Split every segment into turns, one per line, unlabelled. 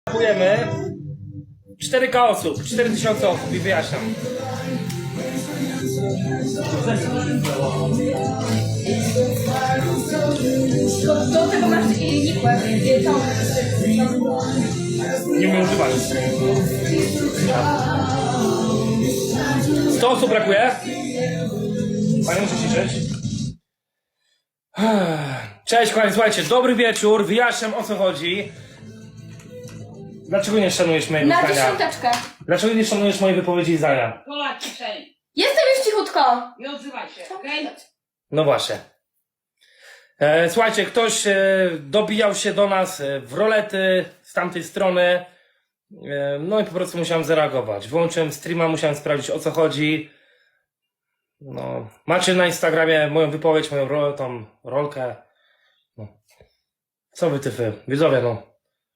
Kupujemy 4K osób, 4000 osób i wyjaśniam.
Do tego masz nikłe.
Nie umiem używać. 100 osób brakuje? Panie, muszę ciszeć. Cześć kochani, słuchajcie, dobry wieczór, wyjaśniam o co chodzi. Dlaczego nie szanujesz mojego
Na
zdania?
dziesiąteczkę.
Dlaczego nie szanujesz mojej wypowiedzi i zdania?
Pola ciszej.
Jestem już cichutko.
Nie odzywaj się, okej?
No właśnie. Słuchajcie, ktoś dobijał się do nas w rolety z tamtej strony. No i po prostu musiałem zareagować. Wyłączyłem streama, musiałem sprawdzić o co chodzi. No, macie na Instagramie moją wypowiedź, moją tą rolkę. No. Co wy tyfy? Widzowie, no.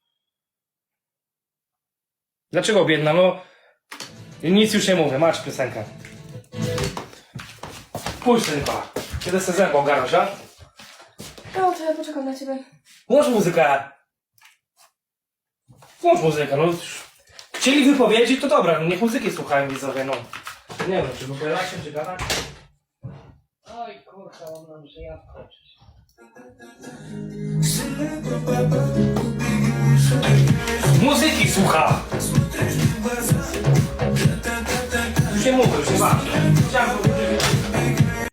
Dlaczego biedna? No, nic już nie mówię, macie piosenkę. Pójdź tylko. Kiedy sobie zębą ogarnąć, a?
No to ja poczekam na ciebie.
Włącz muzykę. Włącz muzykę, no. Chcieli wypowiedzi, to dobra, no niech muzyki słuchają widzowie, no. Nie wiem, czy wypowiadać się, czy gadać?
Oj kurka, on nam że ja wkoczyć.
Muzyki słucha! Już nie mówię, już nie ważne. Chciałem